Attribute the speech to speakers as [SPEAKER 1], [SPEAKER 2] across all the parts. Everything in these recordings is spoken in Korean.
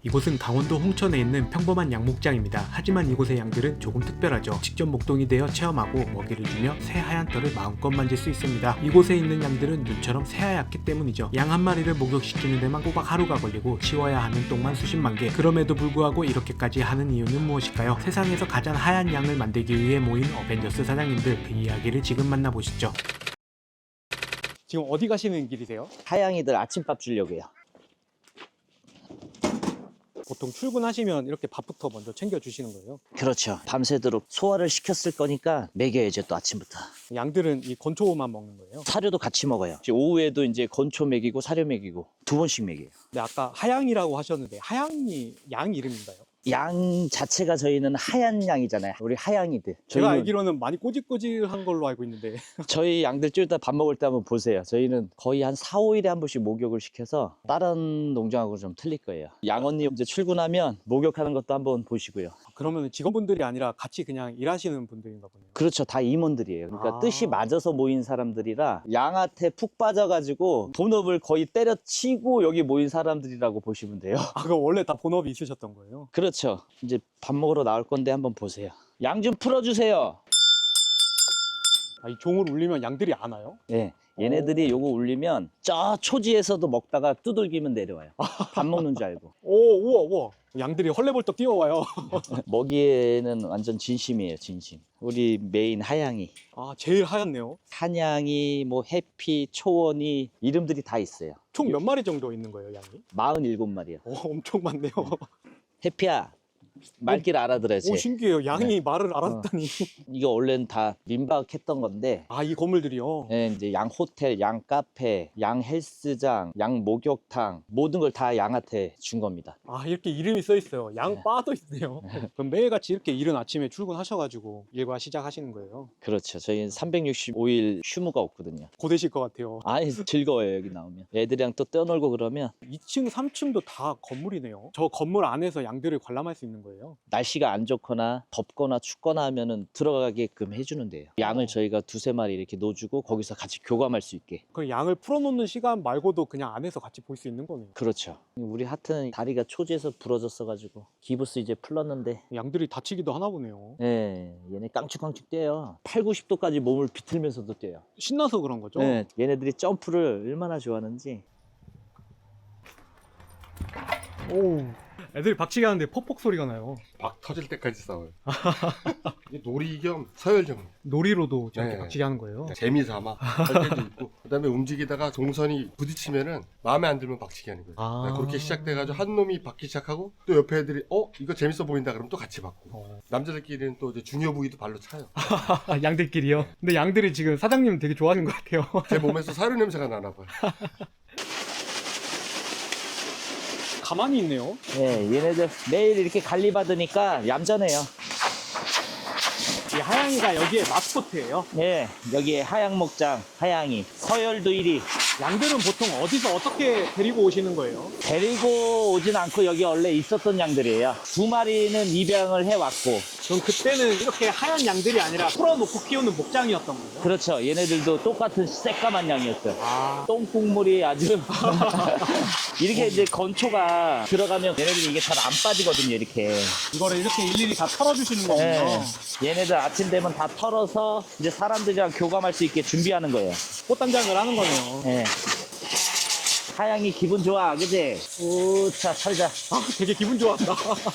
[SPEAKER 1] 이곳은 강원도 홍천에 있는 평범한 양목장입니다. 하지만 이곳의 양들은 조금 특별하죠. 직접 목동이 되어 체험하고 먹이를 주며 새하얀 털을 마음껏 만질 수 있습니다. 이곳에 있는 양들은 눈처럼 새하얗기 때문이죠. 양 한 마리를 목욕시키는 데만 꼬박 하루가 걸리고 치워야 하는 똥만 수십만 개. 그럼에도 불구하고 이렇게까지 하는 이유는 무엇일까요? 세상에서 가장 하얀 양을 만들기 위해 모인 어벤져스 사장님들, 그 이야기를 지금 만나보시죠. 지금 어디 가시는 길이세요?
[SPEAKER 2] 하양이들 아침밥 주려고요.
[SPEAKER 1] 보통 출근하시면 이렇게 밥부터 먼저 챙겨주시는 거예요?
[SPEAKER 2] 그렇죠. 밤새도록 소화를 시켰을 거니까 먹여야죠, 또 아침부터.
[SPEAKER 1] 양들은 이 건초만 먹는 거예요?
[SPEAKER 2] 사료도 같이 먹어요. 오후에도 이제 건초 먹이고 사료 먹이고 2번씩 먹여요.
[SPEAKER 1] 근데 아까 하양이라고 하셨는데 하양이 양 이름인가요?
[SPEAKER 2] 양 자체가 저희는 하얀 양이잖아요. 우리 하양이들.
[SPEAKER 1] 제가
[SPEAKER 2] 저희는-
[SPEAKER 1] 알기로는 많이 꼬질꼬질한 걸로 알고 있는데
[SPEAKER 2] 저희 양들 좀 이따 밥 먹을 때 한번 보세요. 저희는 거의 한 4, 5일에 한 번씩 목욕을 시켜서 다른 농장하고 좀 틀릴 거예요. 양언니 이제 출근하면 목욕하는 것도 한번 보시고요.
[SPEAKER 1] 그러면 직원분들이 아니라 같이 그냥 일하시는 분들인가 보네요.
[SPEAKER 2] 그렇죠. 다 임원들이에요. 그러니까
[SPEAKER 1] 아.
[SPEAKER 2] 뜻이 맞아서 모인 사람들이라 양한테 푹 빠져가지고 본업을 거의 때려치고 여기 모인 사람들이라고 보시면 돼요.
[SPEAKER 1] 아, 그거 원래 다 본업이 있으셨던 거예요?
[SPEAKER 2] 그렇죠. 이제 밥 먹으러 나올 건데 한번 보세요. 양 좀 풀어주세요.
[SPEAKER 1] 아, 이 종을 울리면 양들이 안 와요?
[SPEAKER 2] 예. 얘네들이 요거 울리면 저 초지에서도 먹다가 두들기면 내려와요. 밥 먹는 줄 알고.
[SPEAKER 1] 오, 우와, 우와. 양들이 헐레벌떡 뛰어와요.
[SPEAKER 2] 먹이에는 완전 진심이에요, 진심. 우리 메인 하양이.
[SPEAKER 1] 아, 제일 하얗네요.
[SPEAKER 2] 한양이, 뭐 해피, 초원이 이름들이 다 있어요.
[SPEAKER 1] 총 몇 마리 정도 있는 거예요, 양이?
[SPEAKER 2] 47마리요.
[SPEAKER 1] 오, 엄청 많네요.
[SPEAKER 2] 해피야, 말귀를 알아들어야지.
[SPEAKER 1] 오, 신기해요. 양이 말을 알았다니.
[SPEAKER 2] 이거 원래는 다 민박했던 건데,
[SPEAKER 1] 아, 이 건물들이요?
[SPEAKER 2] 예, 이제 양 호텔, 양 카페, 양 헬스장, 양 목욕탕 모든 걸 다 양한테 준 겁니다.
[SPEAKER 1] 아, 이렇게 이름이 써 있어요. 양바도 있네요. 그럼 매일같이 이렇게 이른 아침에 출근하셔가지고 일과 시작하시는 거예요?
[SPEAKER 2] 그렇죠. 저희는 365일 휴무가 없거든요.
[SPEAKER 1] 고되실 것 같아요.
[SPEAKER 2] 아니 즐거워요, 여기 나오면. 애들이랑 또 뛰어놀고 그러면
[SPEAKER 1] 2층, 3층도 다 건물이네요. 저 건물 안에서 양들을 관람할 수 있는 거예요?
[SPEAKER 2] 날씨가 안 좋거나 덥거나 춥거나 하면은 들어가게끔 해주는데요. 양을 저희가 2~3마리 이렇게 놓주고 거기서 같이 교감할 수 있게.
[SPEAKER 1] 그 양을 풀어놓는 시간 말고도 그냥 안에서 같이 볼 수 있는 거네요.
[SPEAKER 2] 그렇죠. 우리 하트는 다리가 초지에서 부러졌어가지고 기부스 이제 풀렀는데,
[SPEAKER 1] 양들이 다치기도 하나 보네요.
[SPEAKER 2] 예, 얘네 깡충깡충 뛰어요. 8, 90도까지 몸을 비틀면서도 뛰어요.
[SPEAKER 1] 신나서 그런 거죠?
[SPEAKER 2] 예, 얘네들이 점프를 얼마나 좋아하는지.
[SPEAKER 1] 오, 애들이 박치기 하는데 퍽퍽 소리가 나요.
[SPEAKER 3] 막 터질 때까지 싸워요. 이게 놀이 겸 서열정.
[SPEAKER 1] 놀이로도 저렇게
[SPEAKER 3] 네.
[SPEAKER 1] 박치기 하는 거예요?
[SPEAKER 3] 재미삼아 할 때도 있고, 그다음에 움직이다가 동선이 부딪히면은 마음에 안 들면 박치기 하는 거예요.
[SPEAKER 1] 아.
[SPEAKER 3] 그렇게 시작돼가지고 한 놈이 박기 시작하고 또 옆에 애들이 이거 재밌어 보인다 그러면 또 같이 박고. 남자들끼리는 또 이제 중요 부위도 발로 차요.
[SPEAKER 1] 아, 양들끼리요? 근데 양들이 지금 사장님 되게 좋아하는 것 같아요.
[SPEAKER 3] 제 몸에서 사료 냄새가 나나 봐요.
[SPEAKER 1] 가만히 있네요.
[SPEAKER 2] 예, 얘네들 매일 이렇게 관리받으니까 얌전해요.
[SPEAKER 1] 이 하양이가 여기에 마스코트예요.
[SPEAKER 2] 예, 여기에 하양목장, 하양이. 서열도 1위.
[SPEAKER 1] 양들은 보통 어디서 어떻게 데리고 오시는 거예요?
[SPEAKER 2] 데리고 오진 않고 여기 원래 있었던 양들이에요. 2마리는 입양을 해왔고.
[SPEAKER 1] 그럼 그때는 이렇게 하얀 양들이 아니라 풀어놓고 키우는 목장이었던 거예요?
[SPEAKER 2] 그렇죠. 얘네들도 똑같은 새까만 양이었어요.
[SPEAKER 1] 아,
[SPEAKER 2] 똥국물이 아주. 이렇게 이제 건초가 들어가면 얘네들이 이게 잘 안 빠지거든요, 이렇게.
[SPEAKER 1] 이거를 이렇게 일일이 다 털어주시는
[SPEAKER 2] 예.
[SPEAKER 1] 거군요.
[SPEAKER 2] 얘네들 아침 되면 다 털어서 이제 사람들이랑 교감할 수 있게 준비하는 거예요.
[SPEAKER 1] 꽃단장을 하는 거네요.
[SPEAKER 2] 예. 하양이 기분 좋아, 그지? 우차, 털자.
[SPEAKER 1] 아, 되게 기분 좋았다.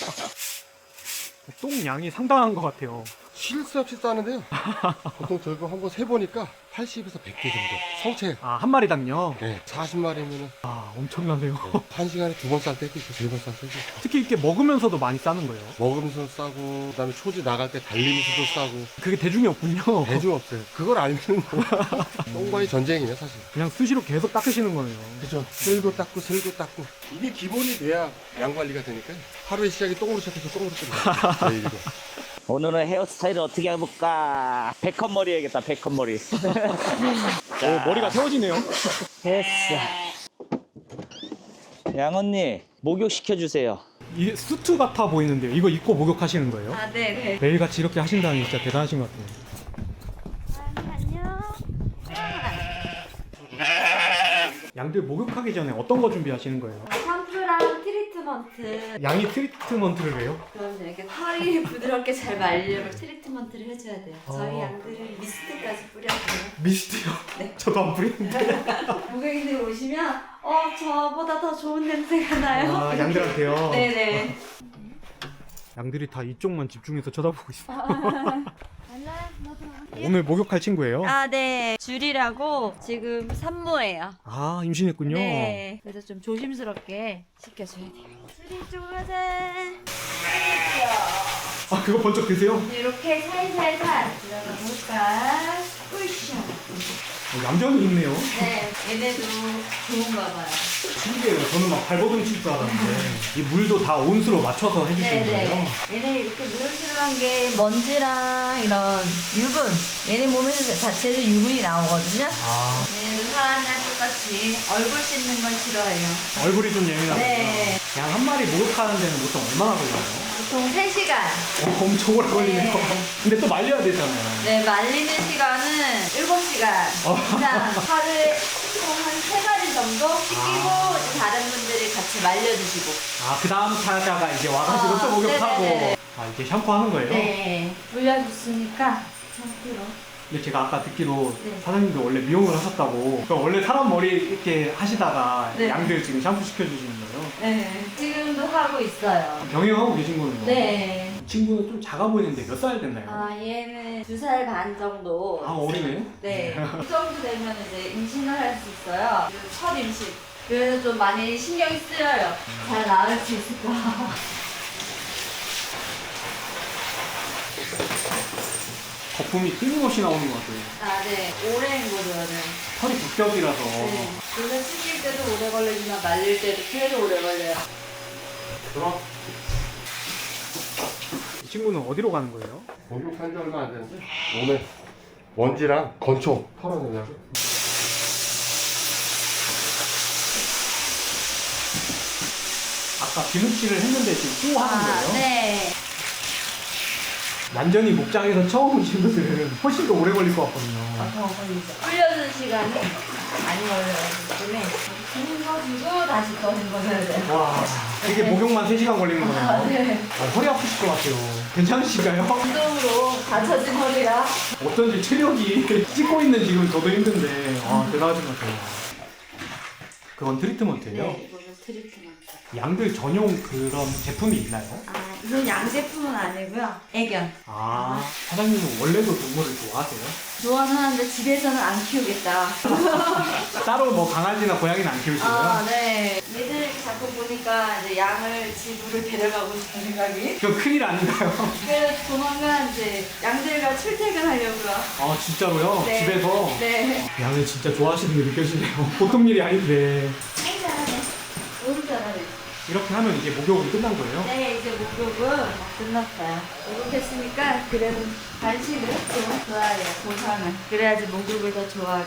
[SPEAKER 1] 똥 양이 상당한 것 같아요.
[SPEAKER 3] 쉴 새 없이 싸는데요. 보통 저거 한번 세보니까 80에서 100개 정도. 성체.
[SPEAKER 1] 아, 한 마리당요?
[SPEAKER 3] 네, 40마리면은
[SPEAKER 1] 아, 엄청나네요.
[SPEAKER 3] 한 시간에 2번 쌀 때도 있고 3번 쌀 때도 있고.
[SPEAKER 1] 특히 이렇게 먹으면서도 많이 싸는 거예요.
[SPEAKER 3] 먹으면서 싸고, 그다음에 초지 나갈 때 달리면서도 싸고.
[SPEAKER 1] 그게 대중이 없군요.
[SPEAKER 3] 대중 없어요. 그걸 알면 똥과의 전쟁이네 사실.
[SPEAKER 1] 그냥 수시로 계속 닦으시는 거네요.
[SPEAKER 3] 그죠. 쓸고 닦고 쓸고 닦고. 이게 기본이 돼야 양 관리가 되니까요. 하루의 시작이 똥으로 시작해서 똥으로 끝나요. 제 일이고.
[SPEAKER 2] 오늘은 헤어스타일을 어떻게 해볼까? 백컷 머리 해야겠다, 백컷 머리.
[SPEAKER 1] 오, 머리가 세워지네요.
[SPEAKER 2] 됐어. 양언니, 목욕시켜주세요.
[SPEAKER 1] 이 수트 같아 보이는데요. 이거 입고 목욕하시는 거예요?
[SPEAKER 4] 아, 네네.
[SPEAKER 1] 매일같이 이렇게 하신다니 진짜 대단하신 것 같아요.
[SPEAKER 4] 안녕.
[SPEAKER 1] 양들 목욕하기 전에 어떤 거 준비하시는 거예요?
[SPEAKER 4] 샴푸랑 트리트먼트 트리트먼트.
[SPEAKER 1] 양이 트리트먼트를 해요?
[SPEAKER 4] 그럼 이렇게 털이 부드럽게 잘 말리려면 트리트먼트를 해줘야 돼요. 저희
[SPEAKER 1] 어.
[SPEAKER 4] 양들은 미스트까지 뿌려줘요.
[SPEAKER 1] 미스트요?
[SPEAKER 4] 네.
[SPEAKER 1] 저도 안 뿌리는데.
[SPEAKER 4] 고객님들 오시면 저보다 더 좋은 냄새가 나요.
[SPEAKER 1] 아, 양들한테요?
[SPEAKER 4] 네네.
[SPEAKER 1] 양들이 다 이쪽만 집중해서 쳐다보고 있어요. 오늘 목욕할 친구예요?
[SPEAKER 4] 아, 네. 줄이라고 지금 산모예요.
[SPEAKER 1] 아, 임신했군요.
[SPEAKER 4] 네. 그래서 좀 조심스럽게 시켜줘야 돼요. 줄이 쪽으로 가자.
[SPEAKER 1] 아, 그거 번쩍 드세요?
[SPEAKER 4] 이렇게 살살살 들어가 볼까? 으쌰.
[SPEAKER 1] 얌전히 있네요.
[SPEAKER 4] 네. 얘네도 좋은가 봐요.
[SPEAKER 1] 신기해요. 저는 막 발버둥 칠 줄 알았는데 이 물도 다 온수로 맞춰서 해주시는 거예요?
[SPEAKER 4] 네네. 얘네 이렇게 누런지루한 게 먼지랑 이런 유분. 얘네 몸에서 자체로 유분이 나오거든요.
[SPEAKER 1] 아,
[SPEAKER 4] 얘네도 사람이랑 똑같이 얼굴 씻는 걸 싫어해요.
[SPEAKER 1] 얼굴이 좀 예민하구나.
[SPEAKER 4] 네.
[SPEAKER 1] 양 한 마리 목욕하는 데는 보통 얼마나 걸려요?
[SPEAKER 4] 보통 3시간.
[SPEAKER 1] 엄청 오래 걸리네요.
[SPEAKER 4] 네.
[SPEAKER 1] 근데 또 말려야 되잖아요.
[SPEAKER 4] 네, 말리는 시간은 7시간 이상 하루에 한 3마리 정도 씻기고 이제 다른 분들이 같이 말려주시고.
[SPEAKER 1] 아, 그 다음 타자가 이제 와가지고 또 목욕하고.
[SPEAKER 4] 네네네.
[SPEAKER 1] 아, 이게 샴푸하는 거예요?
[SPEAKER 4] 네, 물려줬으니까 샴푸로.
[SPEAKER 1] 근데 제가 아까 듣기로
[SPEAKER 4] 네.
[SPEAKER 1] 사장님도 원래 미용을 하셨다고. 그러니까 원래 사람 머리 이렇게 하시다가
[SPEAKER 4] 네.
[SPEAKER 1] 양들 지금 샴푸 시켜주시는 거예요?
[SPEAKER 4] 네, 지금도 하고 있어요.
[SPEAKER 1] 병행하고 계신 거네요?
[SPEAKER 4] 네.
[SPEAKER 1] 이 친구는 좀 작아 보이는데 몇 살 됐나요?
[SPEAKER 4] 아, 얘는 2살 반 정도.
[SPEAKER 1] 아, 어리네.
[SPEAKER 4] 네. 그 정도 되면 이제 임신을 할 수 있어요. 그리고 첫 임신. 그래서 좀 많이 신경이 쓰여요. 잘 나을 수 있을까.
[SPEAKER 1] 거품이 끊임없이 나오는 것 같아요.
[SPEAKER 4] 아, 네. 오랜 거죠, 네.
[SPEAKER 1] 털이 붓겹이라서.
[SPEAKER 4] 네. 그래서 씻길 때도 오래 걸리지만 말릴 때도 계속 오래 걸려요.
[SPEAKER 1] 그럼 이 친구는 어디로 가는 거예요?
[SPEAKER 3] 목욕한 지 얼마 안 됐는데 오늘 먼지랑 건초 털어내려고.
[SPEAKER 1] 아까 비누칠을 했는데 지금 또 하는 거예요?
[SPEAKER 4] 네.
[SPEAKER 1] 완전히 목장에서 처음 오신 분들은 훨씬 더 오래 걸릴 것 같거든요.
[SPEAKER 4] 더 걸리죠. 불려주는 시간이 많이 걸려요. 때문에 주는 거 주고 다시 또 헹궈줘야 돼요.
[SPEAKER 1] 와, 이게 목욕만 3시간 걸리는 거네요.
[SPEAKER 4] 아, 네.
[SPEAKER 1] 허리 아프실 것 같아요. 괜찮으신가요?
[SPEAKER 4] 운동으로 다쳐진 허리가.
[SPEAKER 1] 어쩐지 체력이 찍고 있는 지금 저도 힘든데 대단하신 것 같아요. 그건 트리트먼트예요?
[SPEAKER 4] 네, 이거는 트리트먼트.
[SPEAKER 1] 양들 전용 그런 제품이 있나요?
[SPEAKER 4] 아, 이건 양제품은 아니고요. 애견.
[SPEAKER 1] 아, 사장님은 원래도 동물을 좋아하세요?
[SPEAKER 4] 좋아는 하는데 집에서는 안 키우겠다.
[SPEAKER 1] 따로 뭐 강아지나 고양이는 안 키우시고요?
[SPEAKER 4] 아, 네. 얘들 자꾸 보니까 이제 양을 집으로 데려가고 싶은 생각이.
[SPEAKER 1] 그거 큰일 아닌가요?
[SPEAKER 4] 그래서 조만간 이제 양들과 출퇴근하려고요.
[SPEAKER 1] 아, 진짜로요?
[SPEAKER 4] 네.
[SPEAKER 1] 집에서?
[SPEAKER 4] 네.
[SPEAKER 1] 양을 진짜 좋아하시는 게 느껴지네요. 보통 일이 아닌데.
[SPEAKER 4] 아이, 잘하네. 너무 잘하네.
[SPEAKER 1] 이렇게 하면 이제 목욕이 끝난 거예요?
[SPEAKER 4] 네, 이제 목욕은 끝났어요. 목욕했으니까 그래도 간식을 좀 줘야 돼요, 보상을. 그래야지 목욕을 더 좋아하고.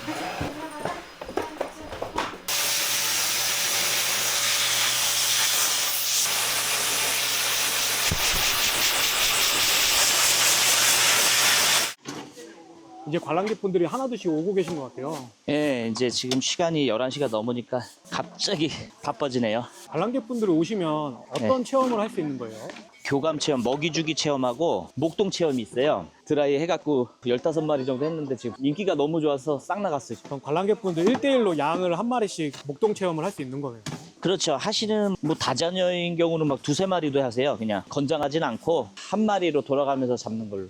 [SPEAKER 1] 이제 관람객분들이 하나둘씩 오고 계신 것 같아요.
[SPEAKER 2] 예, 이제 지금 시간이 11시가 넘으니까 갑자기 바빠지네요.
[SPEAKER 1] 관람객분들이 오시면 어떤 체험을 할 수 있는 거예요?
[SPEAKER 2] 교감 체험, 먹이 주기 체험하고 목동 체험이 있어요. 드라이 해갖고 15마리 정도 했는데 지금 인기가 너무 좋아서 싹 나갔어요.
[SPEAKER 1] 그럼 관람객분들 1대1로 양을 한 마리씩 목동 체험을 할 수 있는 거네요.
[SPEAKER 2] 그렇죠. 하시는 뭐 다자녀인 경우는 막 2-3마리도 하세요. 그냥 건장하진 않고 한 마리로 돌아가면서 잡는 걸로.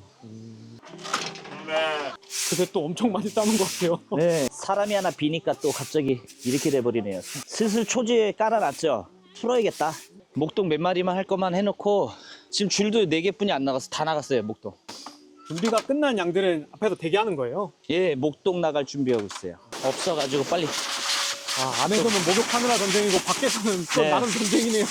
[SPEAKER 1] 근데 또 엄청 많이 싸는 것 같아요.
[SPEAKER 2] 네. 사람이 하나 비니까 또 갑자기 이렇게 돼버리네요. 슬슬 초지에 깔아놨죠. 풀어야겠다. 목동 몇 마리만 할 것만 해놓고 지금 줄도 4개뿐이 안 나가서 다 나갔어요. 목동.
[SPEAKER 1] 준비가 끝난 양들은 앞에서 대기하는 거예요.
[SPEAKER 2] 예, 목동 나갈 준비하고 있어요. 없어가지고 빨리.
[SPEAKER 1] 아, 안에서는 목욕하느라 전쟁이고 밖에서는 또
[SPEAKER 2] 네.
[SPEAKER 1] 나름 전쟁이네요.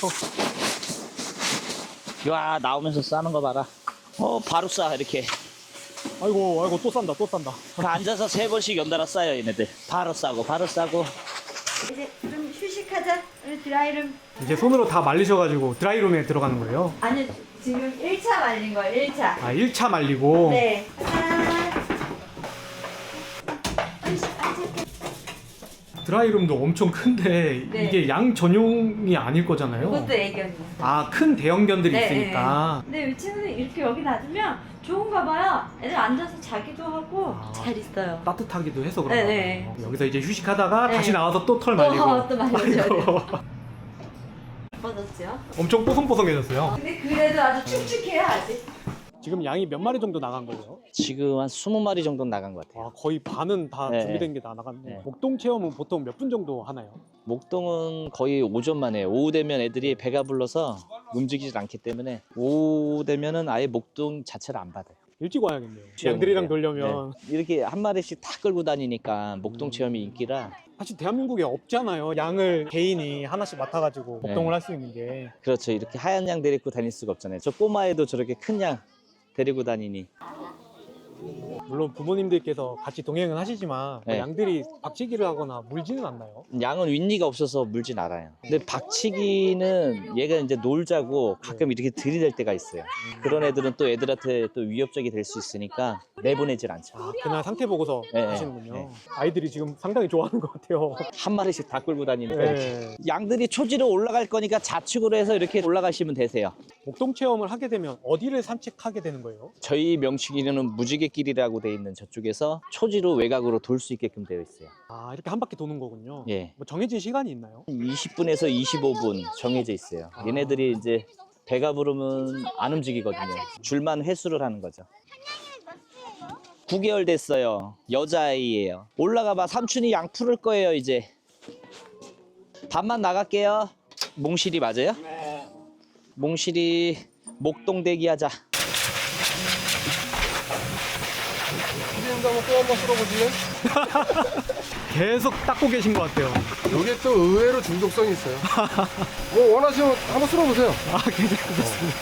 [SPEAKER 2] 와, 나오면서 싸는 거 봐라. 바로 싸 이렇게.
[SPEAKER 1] 아이고 또 싼다.
[SPEAKER 2] 그 앉아서 3번씩 연달아 싸요 얘네들. 바로 싸고 바로 싸고.
[SPEAKER 4] 이제 좀 휴식하자. 우리 드라이룸.
[SPEAKER 1] 이제 손으로 다 말리셔가지고 드라이룸에 들어가는 거예요.
[SPEAKER 4] 아니, 지금 1차 말린 거예요, 1차.
[SPEAKER 1] 아, 1차 말리고.
[SPEAKER 4] 네.
[SPEAKER 1] 드라이룸도 엄청 큰데
[SPEAKER 4] 네.
[SPEAKER 1] 이게 양 전용이 아닐 거잖아요.
[SPEAKER 4] 그것도 애견이 있어요.
[SPEAKER 1] 아, 큰 대형견들이
[SPEAKER 4] 네,
[SPEAKER 1] 있으니까.
[SPEAKER 4] 근데 이 친구는 이렇게 여기 놔두면 좋은가 봐요. 애들 앉아서 자기도 하고
[SPEAKER 1] 아.
[SPEAKER 4] 잘 있어요.
[SPEAKER 1] 따뜻하기도 해서 그런가
[SPEAKER 4] 네,
[SPEAKER 1] 봐요.
[SPEAKER 4] 네.
[SPEAKER 1] 여기서 이제 휴식하다가
[SPEAKER 4] 네.
[SPEAKER 1] 다시 나와서 또 털 말리고.
[SPEAKER 4] 또 말려줘야
[SPEAKER 1] 아이고.
[SPEAKER 4] 돼요. 예뻐졌죠?
[SPEAKER 1] 엄청 뽀송뽀송해졌어요.
[SPEAKER 4] 근데 그래도 아주 축축해요 아직.
[SPEAKER 1] 지금 양이 몇 마리 정도 나간 거예요?
[SPEAKER 2] 지금 한 20마리 정도 나간 것 같아요.
[SPEAKER 1] 아, 거의 반은 다
[SPEAKER 2] 네,
[SPEAKER 1] 준비된 게 다 나갔네.
[SPEAKER 2] 네.
[SPEAKER 1] 목동 체험은 보통 몇 분 정도 하나요?
[SPEAKER 2] 목동은 거의 오전만 해요. 오후 되면 애들이 배가 불러서 움직이질 않기 때문에 오후 되면은 아예 목동 자체를 안 받아요.
[SPEAKER 1] 일찍 와야겠네요.
[SPEAKER 2] 체험이에요.
[SPEAKER 1] 양들이랑 놀려면.
[SPEAKER 2] 네. 이렇게 한 마리씩 다 끌고 다니니까 목동 체험이 인기라.
[SPEAKER 1] 사실 대한민국에 없잖아요. 양을 개인이 하나씩 맡아가지고
[SPEAKER 2] 네.
[SPEAKER 1] 목동을 할 수 있는 게.
[SPEAKER 2] 그렇죠. 이렇게 하얀 양 데리고 다닐 수가 없잖아요. 저 꼬마애도 저렇게 큰 양 데리고 다니니.
[SPEAKER 1] 물론 부모님들께서 같이 동행은 하시지만
[SPEAKER 2] 네.
[SPEAKER 1] 양들이 박치기를 하거나 물지는 않나요?
[SPEAKER 2] 양은 윗니가 없어서 물진 않아요. 근데 박치기는 얘가 이제 놀자고 가끔 이렇게 들이댈 때가 있어요. 그런 애들은 또 애들한테 또 위협적이 될 수 있으니까 내보내질 않죠.
[SPEAKER 1] 아, 그날 상태 보고서
[SPEAKER 2] 네,
[SPEAKER 1] 하시는군요.
[SPEAKER 2] 네.
[SPEAKER 1] 아이들이 지금 상당히 좋아하는 것 같아요.
[SPEAKER 2] 한 마리씩 다 끌고 다니니까.
[SPEAKER 1] 네.
[SPEAKER 2] 양들이 초지로 올라갈 거니까 좌측으로 해서 이렇게 올라가시면 되세요.
[SPEAKER 1] 목동 체험을 하게 되면 어디를 산책하게 되는 거예요?
[SPEAKER 2] 저희 명칭에는 무지개길이라고 돼 있는 저쪽에서 초지로 외곽으로 돌 수 있게끔 되어 있어요.
[SPEAKER 1] 아, 이렇게 한 바퀴 도는 거군요.
[SPEAKER 2] 예.
[SPEAKER 1] 뭐 정해진 시간이 있나요?
[SPEAKER 2] 20분에서 25분 정해져 있어요. 얘네들이 이제 배가 부르면 안 움직이거든요. 줄만 회수를 하는 거죠. 9개월 됐어요. 여자아이예요. 올라가봐. 삼촌이 양 풀을 거예요 이제. 밥만 나갈게요. 몽실이 맞아요? 네. 몽실이 목동 대기하자.
[SPEAKER 3] 피디님도 한번 또 한번 쓸어보실래요?
[SPEAKER 1] 계속 닦고 계신 것 같아요.
[SPEAKER 3] 이게 또 의외로 중독성이 있어요. 뭐 원하시면 한번 쓸어보세요.
[SPEAKER 1] 아, 괜찮습니다.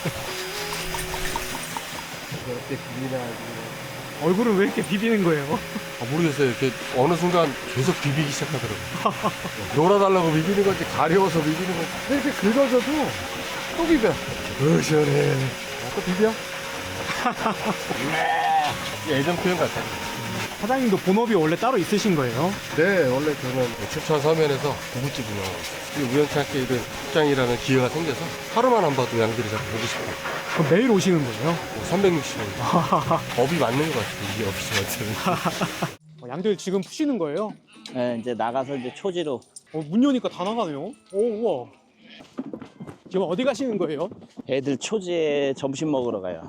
[SPEAKER 3] 이렇게 비비나지.
[SPEAKER 1] 얼굴은 왜 이렇게 비비는 거예요?
[SPEAKER 3] 모르겠어요. 이렇게 어느 순간 계속 비비기 시작하더라고요. 놀아달라고 비비는 건지 가려워서 비비는 건지. 근데 이렇게 긁어줘도 또 비벼. 시원해. 또 비벼? 예전 표현 같아요.
[SPEAKER 1] 사장님도 본업이 원래 따로 있으신 거예요?
[SPEAKER 3] 네, 원래 저는 춘천 서면에서 두부집 운영하고 있어요. 우연찮게 이런 출장이라는 기회가 생겨서 하루만 안 봐도 양들이 자꾸 보고 싶어요.
[SPEAKER 1] 그럼 매일 오시는 거예요?
[SPEAKER 3] 360원. 법이 맞는 것 같아요. 이게 없이
[SPEAKER 1] 양들 지금 푸시는 거예요?
[SPEAKER 2] 네, 이제 나가서 이제 초지로.
[SPEAKER 1] 문 여니까 다 나가네요? 오, 우와. 지금 어디 가시는 거예요?
[SPEAKER 2] 애들 초지에 점심 먹으러 가요.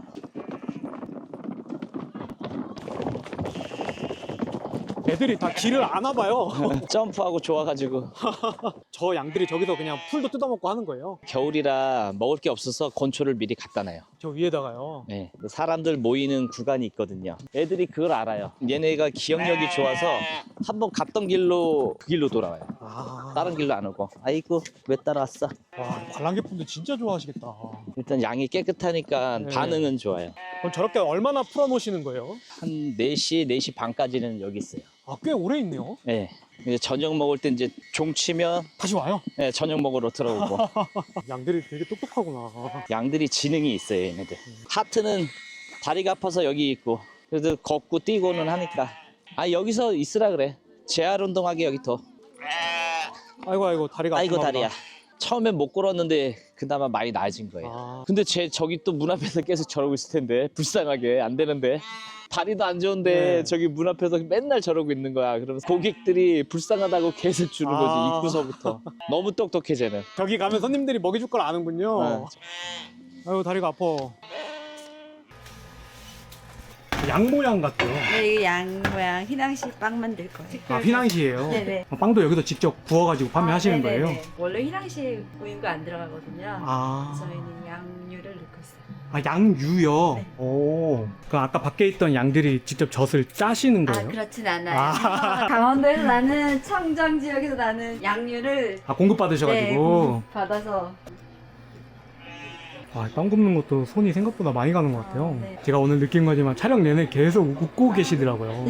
[SPEAKER 1] 애들이 다 길을 아나 봐요.
[SPEAKER 2] 점프하고 좋아가지고.
[SPEAKER 1] 저 양들이 저기서 그냥 풀도 뜯어먹고 하는 거예요?
[SPEAKER 2] 겨울이라 먹을 게 없어서 건초를 미리 갖다 놔요.
[SPEAKER 1] 저 위에다가요.
[SPEAKER 2] 네, 사람들 모이는 구간이 있거든요. 애들이 그걸 알아요. 얘네가 기억력이 좋아서 한번 갔던 길로 그 길로 돌아와요.
[SPEAKER 1] 아,
[SPEAKER 2] 다른 길로 안 오고. 아이고 왜 따라왔어?
[SPEAKER 1] 와, 관람객분들 진짜 좋아하시겠다.
[SPEAKER 2] 일단 양이 깨끗하니까
[SPEAKER 1] 네.
[SPEAKER 2] 반응은 좋아요.
[SPEAKER 1] 그럼 저렇게 얼마나 풀어놓으시는 거예요?
[SPEAKER 2] 한 4시, 4시 반까지는 여기 있어요.
[SPEAKER 1] 아, 꽤 오래 있네요.
[SPEAKER 2] 네. 이제 저녁 먹을 때 이제 종 치면
[SPEAKER 1] 다시 와요.
[SPEAKER 2] 네, 저녁 먹으러 들어오고.
[SPEAKER 1] 양들이 되게 똑똑하구나.
[SPEAKER 2] 양들이 지능이 있어요, 얘네들. 하트는 다리가 아파서 여기 있고, 그래도 걷고 뛰고는 하니까. 아, 여기서 있으라 그래. 재활 운동하게 여기 더.
[SPEAKER 1] 아이고, 아이고, 다리가
[SPEAKER 2] 아이고,
[SPEAKER 1] 아프나
[SPEAKER 2] 다리야.
[SPEAKER 1] 보다.
[SPEAKER 2] 처음엔 못 걸었는데 그나마 많이 나아진 거예요.
[SPEAKER 1] 아,
[SPEAKER 2] 근데 쟤 저기 또 문 앞에서 계속 저러고 있을 텐데 불쌍하게 안 되는데 다리도 안 좋은데
[SPEAKER 1] 네.
[SPEAKER 2] 저기 문 앞에서 맨날 저러고 있는 거야. 그러면서 고객들이 불쌍하다고 계속 주는 거지.
[SPEAKER 1] 아.
[SPEAKER 2] 입구서부터. 너무 똑똑해 쟤는.
[SPEAKER 1] 저기 가면 손님들이 먹여줄 걸 아는군요.
[SPEAKER 2] 네.
[SPEAKER 1] 아이고, 다리가 아파. 양 모양 같아요.
[SPEAKER 4] 네, 이게 양 모양 휘낭시 빵 만들 거예요.
[SPEAKER 1] 아, 휘낭시예요?
[SPEAKER 4] 네네.
[SPEAKER 1] 빵도 여기서 직접 구워가지고 판매하시는
[SPEAKER 4] 네네네.
[SPEAKER 1] 거예요?
[SPEAKER 4] 원래 휘낭시 우유가 안 들어가거든요.
[SPEAKER 1] 아,
[SPEAKER 4] 저희는 양유를 넣고 있어요.
[SPEAKER 1] 아, 양유요?
[SPEAKER 4] 네.
[SPEAKER 1] 오. 그 아까 밖에 있던 양들이 직접 젖을 짜시는
[SPEAKER 4] 아,
[SPEAKER 1] 거예요?
[SPEAKER 4] 그렇진 않아요.
[SPEAKER 1] 아.
[SPEAKER 4] 강원도에서 나는 청정 지역에서 나는 양유를
[SPEAKER 1] 아, 공급받으셔가지고.
[SPEAKER 4] 받아서
[SPEAKER 1] 아, 빵 굽는 것도 손이 생각보다 많이 가는 것 같아요.
[SPEAKER 4] 네.
[SPEAKER 1] 제가 오늘 느낀 거지만 촬영 내내 계속 웃고 계시더라고요.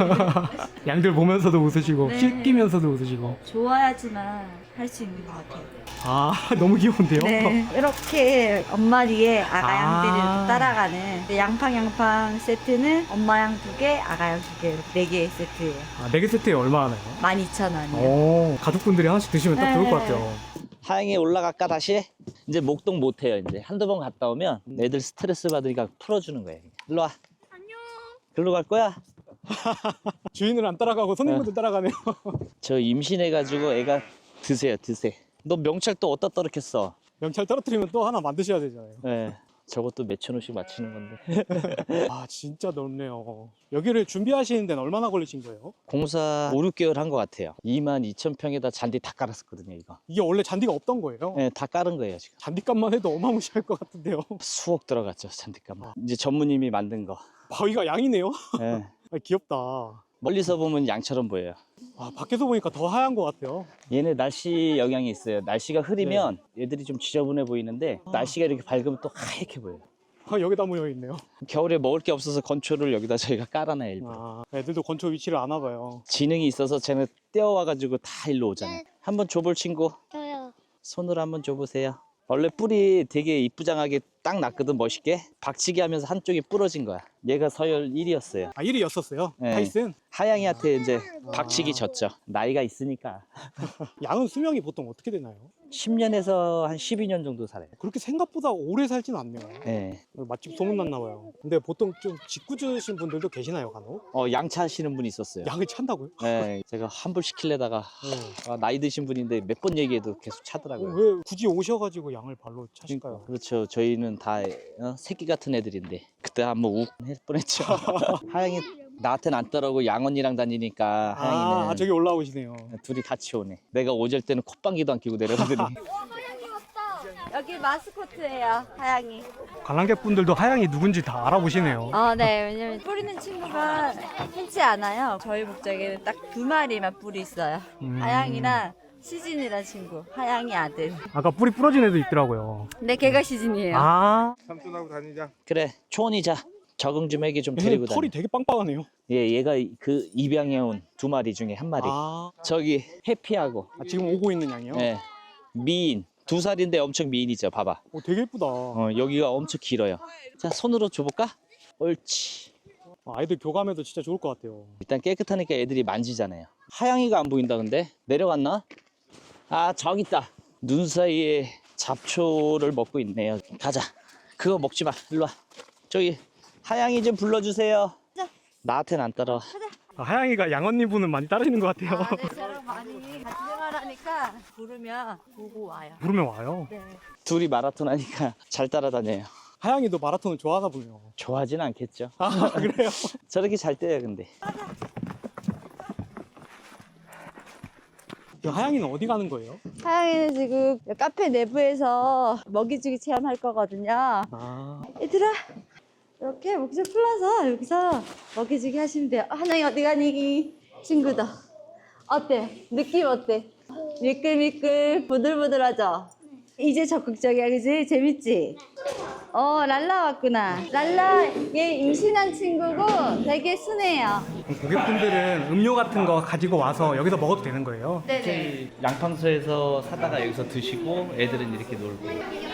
[SPEAKER 1] 양들 보면서도 웃으시고
[SPEAKER 4] 네.
[SPEAKER 1] 씻기면서도 웃으시고.
[SPEAKER 4] 좋아야지만 할 수 있는 것 같아요.
[SPEAKER 1] 아, 너무 귀여운데요?
[SPEAKER 4] 네. 이렇게 엄마 뒤에 아가 양들이
[SPEAKER 1] 아.
[SPEAKER 4] 이렇게 따라가는 양팡 세트는 엄마 양 2개, 아가 양 2개, 4개 세트예요.
[SPEAKER 1] 아, 4개 세트에 얼마 하나요?
[SPEAKER 4] 12,000원이요.
[SPEAKER 1] 오, 가족분들이 하나씩 드시면 딱 좋을 것 같아요.
[SPEAKER 2] 하양이 올라갈까 다시? 이제 목동 못해요. 이제 한두 번 갔다 오면 애들 스트레스 받으니까 풀어주는 거예요. 일로 와. 안녕. 글로 갈 거야?
[SPEAKER 1] 주인을 안 따라가고 손님분들 따라가네요.
[SPEAKER 2] 저 임신해가지고 애가 드세요. 너 명찰 또 어디다 떨어켰어?
[SPEAKER 1] 명찰 떨어뜨리면 또 하나 만드셔야 되잖아요.
[SPEAKER 2] 네. 저것도 몇천 원씩 맞추는 건데.
[SPEAKER 1] 아, 진짜 넓네요. 여기를 준비하시는 데는 얼마나 걸리신 거예요?
[SPEAKER 2] 공사 5, 6개월 한 것 같아요. 22,000평에다 잔디 다 깔았었거든요, 이거.
[SPEAKER 1] 이게 원래 잔디가 없던 거예요?
[SPEAKER 2] 네, 다 깔은 거예요, 지금.
[SPEAKER 1] 잔디값만 해도 어마무시할 것 같은데요.
[SPEAKER 2] 수억 들어갔죠, 잔디값만. 이제 전무님이 만든 거.
[SPEAKER 1] 바위가 양이네요.
[SPEAKER 2] 네.
[SPEAKER 1] 아, 귀엽다.
[SPEAKER 2] 멀리서 보면 양처럼 보여요.
[SPEAKER 1] 아, 밖에서 보니까 더 하얀 것 같아요.
[SPEAKER 2] 얘네 날씨 영향이 있어요. 날씨가 흐리면 애들이 좀 지저분해 보이는데 날씨가 이렇게 밝으면 또 하얗게 보여요.
[SPEAKER 1] 아, 여기다 모여 있네요.
[SPEAKER 2] 겨울에 먹을 게 없어서 건초를 여기다 저희가 깔아놔요. 일부러.
[SPEAKER 1] 아, 애들도 건초 위치를 아나 봐요.
[SPEAKER 2] 지능이 있어서 쟤는 떼어와가지고 다 일로 오잖아요. 한번 줘볼 친구.
[SPEAKER 5] 저요.
[SPEAKER 2] 손으로 한번 줘보세요. 원래 뿔이 되게 이쁘장하게 딱 났거든, 멋있게. 박치기 하면서 한쪽이 부러진 거야. 얘가 서열 1위였어요.
[SPEAKER 1] 아, 1위였었어요?
[SPEAKER 2] 네.
[SPEAKER 1] 타이슨?
[SPEAKER 2] 하양이한테 이제 박치기 졌죠. 나이가 있으니까.
[SPEAKER 1] 양은 수명이 보통 어떻게 되나요?
[SPEAKER 2] 10년에서 한 12년 정도 살아요.
[SPEAKER 1] 그렇게 생각보다 오래 살진 않네요.
[SPEAKER 2] 네.
[SPEAKER 1] 맛집 소문났나 봐요. 근데 보통 좀 짓궂으신 분들도 계시나요, 간혹?
[SPEAKER 2] 양차 하시는 분이 있었어요.
[SPEAKER 1] 양을 찬다고요?
[SPEAKER 2] 네, 제가 환불 시키려다가
[SPEAKER 1] 네.
[SPEAKER 2] 나이 드신 분인데 몇 번 얘기해도 계속 차더라고요.
[SPEAKER 1] 왜 굳이 오셔가지고 양을 발로 차실까요?
[SPEAKER 2] 그렇죠. 저희는 다 새끼 같은 애들인데 그때 한번 욱 할 뻔했죠. 하양이 나한테는 안 따라오고 양언니랑 다니니까 하양이는
[SPEAKER 1] 아, 저기 올라오시네요.
[SPEAKER 2] 둘이 같이 오네. 내가 오질 때는 콧방귀도 안 끼고 내려오더니
[SPEAKER 4] 여기 마스코트예요, 하양이.
[SPEAKER 1] 관람객분들도 하양이 누군지 다 알아보시네요.
[SPEAKER 4] 네. 왜냐면 뿌리는 친구가 흔치 않아요. 저희 목장에는 딱 2마리만 뿔이 있어요. 하양이랑 시진이란 친구, 하양이 아들.
[SPEAKER 1] 아까 뿌리 부러진 애도 있더라고요.
[SPEAKER 4] 근데 걔가 시진이에요.
[SPEAKER 1] 아,
[SPEAKER 3] 삼촌하고 다니자.
[SPEAKER 2] 그래 초원이자 적응 좀 애기 좀
[SPEAKER 1] 얘는
[SPEAKER 2] 데리고 다녀.
[SPEAKER 1] 털이 되게 빵빵하네요.
[SPEAKER 2] 얘가 그 입양해 온 2마리 중에 한 마리.
[SPEAKER 1] 아,
[SPEAKER 2] 저기 해피하고
[SPEAKER 1] 지금 오고 있는 양이요?
[SPEAKER 2] 네, 미인 2살인데 엄청 미인이죠. 봐봐.
[SPEAKER 1] 되게 예쁘다.
[SPEAKER 2] 여기가 엄청 길어요. 자 손으로 줘볼까? 옳지.
[SPEAKER 1] 아이들 교감해도 진짜 좋을 것 같아요.
[SPEAKER 2] 일단 깨끗하니까 애들이 만지잖아요. 하양이가 안 보인다 근데 내려갔나? 아 저기 있다. 눈 사이에 잡초를 먹고 있네요. 가자. 그거 먹지 마. 일로 와. 저기 하양이 좀 불러주세요. 나한테는 안 따라와.
[SPEAKER 1] 아, 하양이가 양언니 분은 많이 따르시는 것 같아요.
[SPEAKER 4] 네, 저랑 많이 같이 생활하니까 부르면 보고 와요.
[SPEAKER 1] 부르면 와요.
[SPEAKER 4] 네.
[SPEAKER 2] 둘이 마라톤 하니까 잘 따라다녀요.
[SPEAKER 1] 하양이도 마라톤을 좋아하나 보네요.
[SPEAKER 2] 좋아하진 않겠죠.
[SPEAKER 1] 아, 그래요?
[SPEAKER 2] 저렇게 잘 뛰어요 근데.
[SPEAKER 1] 그 하양이는 어디 가는 거예요?
[SPEAKER 4] 하양이는 지금 카페 내부에서 먹이주기 체험할 거거든요.
[SPEAKER 1] 아,
[SPEAKER 4] 얘들아, 이렇게 목줄 풀어서 여기서 먹이주기 하시면 돼요. 하양이 어디 가니? 친구다. 어때? 느낌 어때? 미끌미끌 부들부들하죠? 이제 적극적이야, 그지? 재밌지? 랄라 왔구나. 랄라 얘 임신한 친구고 되게 순해요.
[SPEAKER 1] 고객분들은 음료 같은 거 가지고 와서 여기서 먹어도 되는 거예요?
[SPEAKER 4] 네네.
[SPEAKER 2] 양팡소에서 사다가 여기서 드시고 애들은 이렇게 놀고.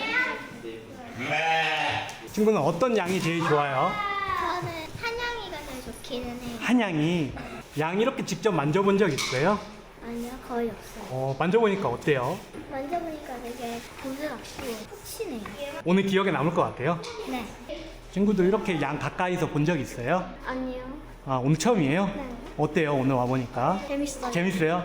[SPEAKER 1] 친구는 어떤 양이 제일 좋아요?
[SPEAKER 5] 저는 한양이가 제일 좋기는 해요.
[SPEAKER 1] 한양이. 양 이렇게 직접 만져본 적 있어요?
[SPEAKER 5] 아니요, 거의 없어요.
[SPEAKER 1] 만져보니까 어때요?
[SPEAKER 5] 만져보니까 되게 부드럽고 푹신해요.
[SPEAKER 1] 오늘 기억에 남을 것 같아요?
[SPEAKER 5] 네.
[SPEAKER 1] 친구들 이렇게 양 가까이서 본 적 있어요?
[SPEAKER 5] 아니요.
[SPEAKER 1] 아, 오늘 처음이에요?
[SPEAKER 5] 네.
[SPEAKER 1] 어때요? 오늘 와보니까?
[SPEAKER 5] 재밌어요.
[SPEAKER 1] 재밌어요?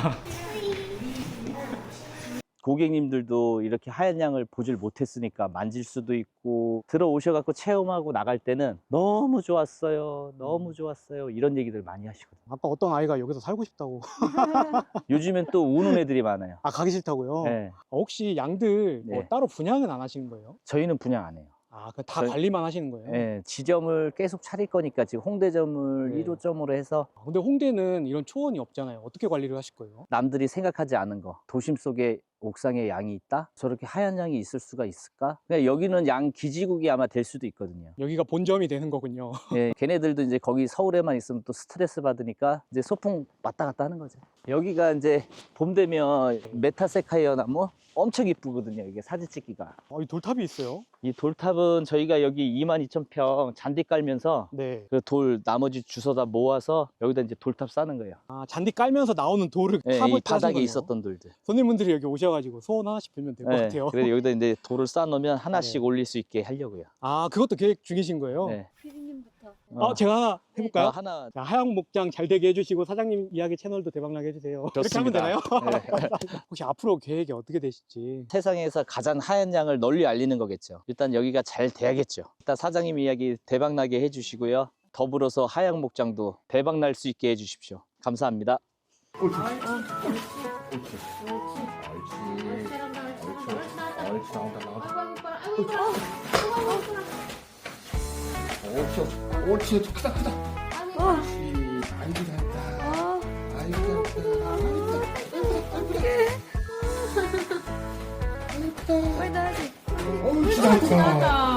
[SPEAKER 2] 고객님들도 이렇게 하얀 양을 보질 못했으니까 만질 수도 있고 들어오셔갖고 체험하고 나갈 때는 너무 좋았어요. 너무 좋았어요. 이런 얘기들 많이 하시거든요.
[SPEAKER 1] 아까 어떤 아이가 여기서 살고 싶다고.
[SPEAKER 2] 요즘엔 또 우는 애들이 많아요.
[SPEAKER 1] 아, 가기 싫다고요?
[SPEAKER 2] 네.
[SPEAKER 1] 혹시 양들 뭐
[SPEAKER 2] 네.
[SPEAKER 1] 따로 분양은 안 하시는 거예요?
[SPEAKER 2] 저희는 분양 안 해요.
[SPEAKER 1] 아, 그다
[SPEAKER 2] 저희-
[SPEAKER 1] 관리만 하시는 거예요?
[SPEAKER 2] 네, 지점을 계속 차릴 거니까 지금 홍대점을
[SPEAKER 1] 네.
[SPEAKER 2] 1호점으로 해서
[SPEAKER 1] 근데 홍대는 이런 초원이 없잖아요. 어떻게 관리를 하실 거예요?
[SPEAKER 2] 남들이 생각하지 않은 거 도심 속에 옥상에 양이 있다? 저렇게 하얀 양이 있을 수가 있을까? 그냥 여기는 양 기지국이 아마 될 수도 있거든요.
[SPEAKER 1] 여기가 본점이 되는 거군요.
[SPEAKER 2] 예, 걔네들도 이제 거기 서울에만 있으면 또 스트레스 받으니까 이제 소풍 왔다 갔다 하는 거죠. 여기가 이제 봄 되면 메타세카이어 나무 엄청 이쁘거든요. 이게 사진 찍기가.
[SPEAKER 1] 이 돌탑이 있어요.
[SPEAKER 2] 이 돌탑은 저희가 여기 22,000평 잔디 깔면서
[SPEAKER 1] 네.
[SPEAKER 2] 그 돌 나머지 주워다 모아서 여기다 이제 돌탑 쌓는 거예요.
[SPEAKER 1] 잔디 깔면서 나오는 돌을
[SPEAKER 2] 예,
[SPEAKER 1] 탑을
[SPEAKER 2] 이 바닥에 있었던 돌들.
[SPEAKER 1] 손님분들이 여기 오셔가지고 소원 하나씩 빌면 될 것
[SPEAKER 2] 예,
[SPEAKER 1] 같아요.
[SPEAKER 2] 그래서 여기다 이제 돌을 쌓아놓으면 하나씩
[SPEAKER 1] 네.
[SPEAKER 2] 올릴 수 있게 하려고요.
[SPEAKER 1] 그것도 계획 중이신 거예요?
[SPEAKER 2] 네.
[SPEAKER 4] 피디님부터.
[SPEAKER 1] 제가 하나 해볼까요?
[SPEAKER 2] 하나.
[SPEAKER 1] 자, 하양 목장 잘 되게 해주시고 사장님 이야기 채널도 대박나게 해주세요. 이렇게 하면 되나요?
[SPEAKER 2] 네.
[SPEAKER 1] 혹시 앞으로 계획이 어떻게 되실지.
[SPEAKER 2] 세상에서 가장 하얀 양을 널리 알리는 거겠죠. 일단 여기가 잘 돼야겠죠. 일단 사장님 이야기 대박나게 해주시고요. 더불어서 하양 목장도 대박날 수 있게 해주십시오. 감사합니다.
[SPEAKER 3] 옳지, 크다, 크다. 옳지, 아이고, 잘했다. 아이고, 잘했다.
[SPEAKER 4] 빨리 나야지.
[SPEAKER 3] 옳지, 잘했다.